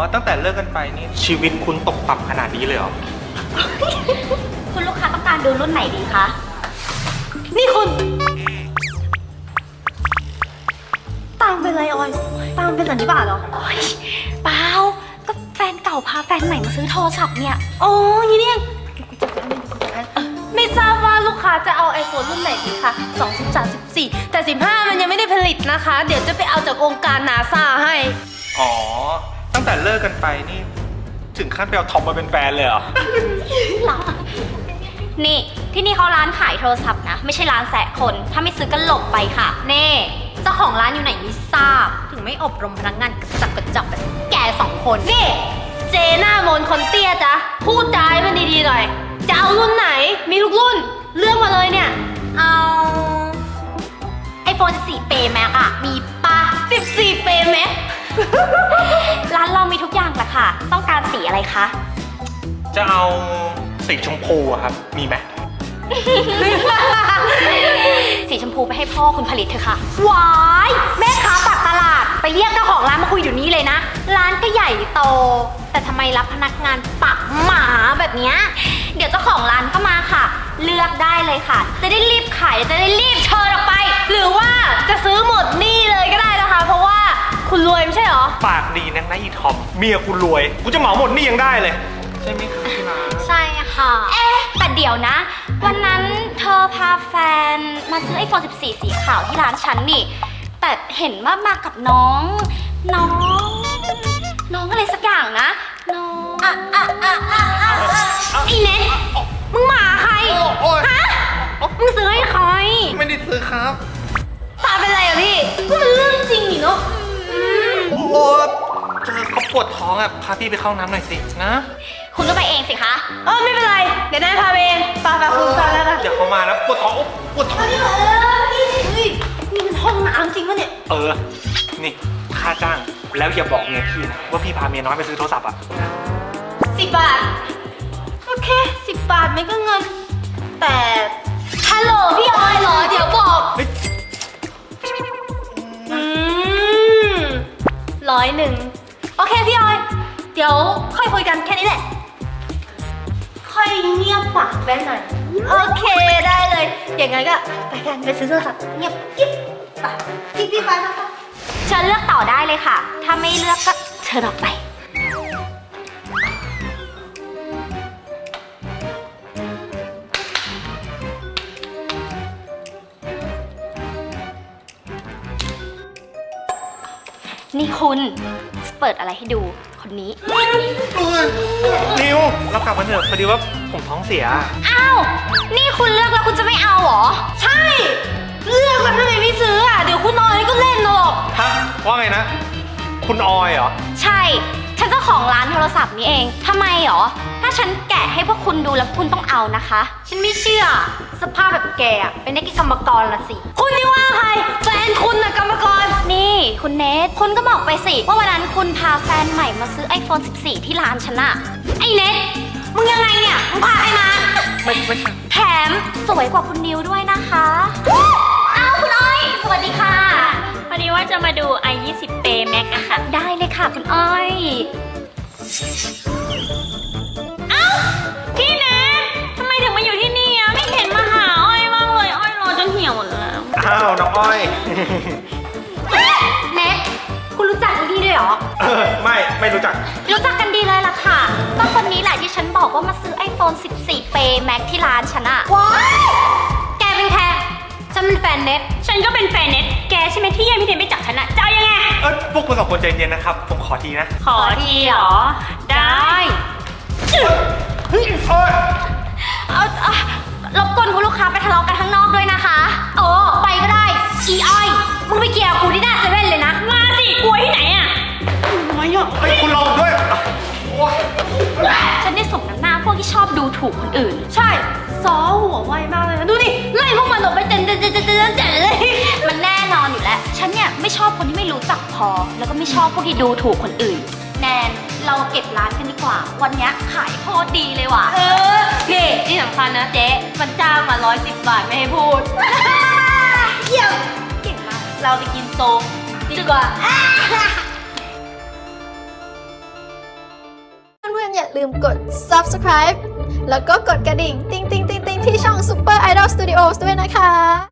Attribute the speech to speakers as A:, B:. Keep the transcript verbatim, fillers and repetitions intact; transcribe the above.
A: ตั้งแต่เลิกกันไปนี่ชีวิตคุณตกต่ำขนาดนี้เลยเหรอ
B: คุณลูกค้าต้องการดูรุ่นไหนดีคะ
C: นี่คุณตามเป็นไรออยตามเป็นสันนิบาตเหรอ
B: โอ๊ยเปล่าก็แฟนเก่าพาแฟนใหม่มาซื้อโทรศัพท์เนี่ย
C: อ๋ออย่างนี้เนี่ยไม่ทราบว่าลูกค้าจะเอา iPhone รุ่นไหนดีคะสอง สิบสาม สิบสี่แต่สิบห้ามันยังไม่ได้ผลิตนะคะ เดี๋ยวจะไปเอาจากองค์การนาซาให้
A: อ๋อ ตั้งแต่เลิกกันไปนี่ถึงขั้นไปเอาทอมมาเป็นแฟนเลยเหรอ
B: นี่ที่นี่เขาร้านขายโทรศัพท์นะ ไม่ใช่ร้านแสะคน ถ้าไม่ซื้อก็หลบไปค่ะเน่เจ้าของร้านอยู่ไหนไม่ทราบ ถึงไม่อบรมพนักงานกระจับกระจับแบบแกสองคน
C: นี่เจหน้ามนคนเตี้ยจ๊ะพูดจาให้มันดีๆหน่อยจะเอารุ่นไหนมีทุกรุ่นเลือกมาเลยเนี่ย
B: เอาไอโฟนสิบสี่เปย์แม็กอะมีปะ
C: สิบสี่เปย์ไหม
B: ร้านเรามีทุกอย่างแหละค่ะ ต้องการสีอะไรคะ
A: จะเอาสีชมพูอะครับ มีไหม
B: สีชมพูไปให้พ่อคุณผลิตเถอะค่ะวายแม่ค้าปากตลาดไปเรียกเจ้าของร้านมาคุยอยู่นี้เลยนะ ร้านก็ใหญ่โต แต่ทำไมรับพนักงานปากหมาแบบเนี้ยเดี๋ยวเจ้าของร้านก็มาค่ะ เลือกได้เลยค่ะ จะได้รีบขายจะได้รีบเชิญออกไป
C: หรือว่าจะซื้อหมดหนี่เลยก็ได้นะคะ เพราะว่าคุณรวยไม่ใช่เหรอ
A: ปากดีนักนะอีทอม เมียกูรวย กูจะเหมาหมดนี่ยังได้เลย ใช่ไหมครับพี่นา
B: ใช่ค่ะ เอ๊ะแต่เดี๋ยวนะ วันนั้นเธอพาแฟนมาซื้อไอโฟนสิบสี่ สีขาวที่ร้านฉันนี่ แต่เห็นว่ามากับน้อง น้อง น้องอะไรสักอย่างนะ น้องอ่ะอ่ะอ่ะอ่ะอ่ะไอเน็ตมึงหมาใคร
A: โอ้ย
B: ฮะ มึงซื้อให้ใคร
A: ไม่ได้ซื้อครับ
C: ตาเป็นไรอะพี่ก็มันเรื่องจริงนี่เนาะ
A: โอ้โหเธอเขาปวดท้องอ่ะ พาพี่ไปเข้าน้ำหน่อยสินะ
B: คุณก็ไปเองสิคะ
C: เออไม่เป็นไร เดี๋ยวนายพาไปเองไปไปคุณไปแล้วนะ
A: เดี๋ยวเขามาแล้วปวดท้องโอ๊ะปวดท้อง
C: นี่เออนี่นี่นี่มันห้องน้ำจริงปะเนี่ย
A: เออ นี่ค่าจ้าง แล้วอย่าบอกเมียพี่นะว่าพี่พาเมียน้อยไปซื้อโทรศัพท์อ่ะ
C: สิบบาท โอเคสิบบาทไม่ก็เงิน แต่ฮัลโหลพี่ออยเหรอ เดี๋ยวบอก
A: เฮ้ย
C: อืมร้อยหนึ่งโอเคพี่ออย เดี๋ยวค่อยคุยกันแค่นี้แหละ ค่อยเงียบปากแว้นหน่อย โอเคได้เลย อย่างงั้นก็ไปกันไปซื้อโทรศัพท์เงียบกิ๊บไปพี่พี่ไปไปไป
B: เชิญเลือกต่อได้เลยค่ะ ถ้าไม่เลือกก็เชิญออกไป นี่คุณเปิดอะไรให้ดู คนนี้
A: นิวเรากลับกันเถอะพอดีว่าผมท้องเสีย
B: อ้าว นี่คุณเลือกแล้วคุณจะไม่เอาเหรอ
C: ใช่ เลือกแล้วทำไมไม่ซื้ออ่ะ เดี๋ยวคุณออยก็เล่นหรอก
A: ฮะ ว่าไงนะ คุณออยเหรอ
B: ใช่ ฉันเจ้าของร้านโทรศัพท์นี้เอง ทำไมเหรอ ถ้าฉันแกะให้พวกคุณดูแล้วคุณต้องเอานะคะ
C: ฉันไม่เชื่อ สภาพแบบแกอะเป็นนักกรรมกรละสิ คุณนี่ว่าใคร แฟนคุณนะกรรมกร
B: นี่คุณเนทคุณก็บอกไปสิ ว่าวันนั้นคุณพาแฟนใหม่มาซื้อ ไอโฟนสิบสี่ ที่ร้านฉันอะไอเนทมึงยังไงเนี่ย มึงพาใครมา
A: ไม่ไม่ใช่
B: แถมสวยกว่าคุณนิวด้วยนะคะอ้าวคุณอ้อย สวัสดีค่ะ
D: พอดีว่าจะมาดู ไอ ยี่สิบ Pay Max อะค่ะ
B: ได้เลยค่ะคุณอ้อย
D: พี่เนททำไมถึงมาอยู่ที่นี่อะไม่เห็นมาหาอ้อยบ้างเลย อ้อยรอจนเหี่ยวหมดแล้ว
A: อ้าว น้องอ้อย
B: เนทคุณรู้จักนี่ด้วยเหรอ
A: เออ ไม่ ไม่รู้จัก
B: รู้จักกันดีเลยล่ะค่ะ ก็คนนี้แหละที่ฉันบอกว่ามาซื้อ ไอโฟนสิบสี่ Pay Max ที่ร้านฉันอะว้ายแกเป็นแค่ฉันเป็นแฟนเน็ต
D: ฉันก็เป็นแฟนเน็ตแกใช่ไหมที่แย่งพี่เนทไปจับฉันอะจะเอายังไง
A: เออพวกคุณสองคนใจเย็นนะครับ ผมขอทีนะ
D: ขอทีเหรอ ได้
A: เฮ้ยโอ้ย
B: เอาเอารบกวนคุณลูกค้าไปทะเลาะกันข้างนอกด้วยนะคะโอ้ไปก็ได้อีอ้อยมึงไปเกี่ยวกูที่หน้าเซเว่นเลยนะ
D: มาสิ กลัวที่ไหนอะ
A: ไม่อะเฮ้ยคุณรอผมด้วย โอ้ย
B: ฉันได้สมน้ำหน้าพวกที่ชอบดูถูกคนอื่น
C: ใช่ซอหัวไวมากเลยนะดูดิไล่พวกมันออกไปเจนเจนเจนเจนเจนเจนเลย
B: มันแน่นอนอยู่แล้ว ฉันเนี่ยไม่ชอบคนที่ไม่รู้จักพอ แล้วก็ไม่ชอบพวกที่ดูถูกคนอื่น แนนเราเก็บร้านกันดีกว่า วันเนี้ยขายโคตรดีเลยว่ะ
C: เออนี่ที่สำคัญนะเจ๊มันจ้างมาร้อยสิบบาทไม่ให้พูด เยี่ยมเก่งมาก เราไปกินโซดีกว่า
E: ลืมกด ซับสไครบ์ แล้วก็กดกระดิ่ง ติ๊งติ๊งติ๊งติ๊งที่ช่อง Super Idol Studios ด้วยนะคะ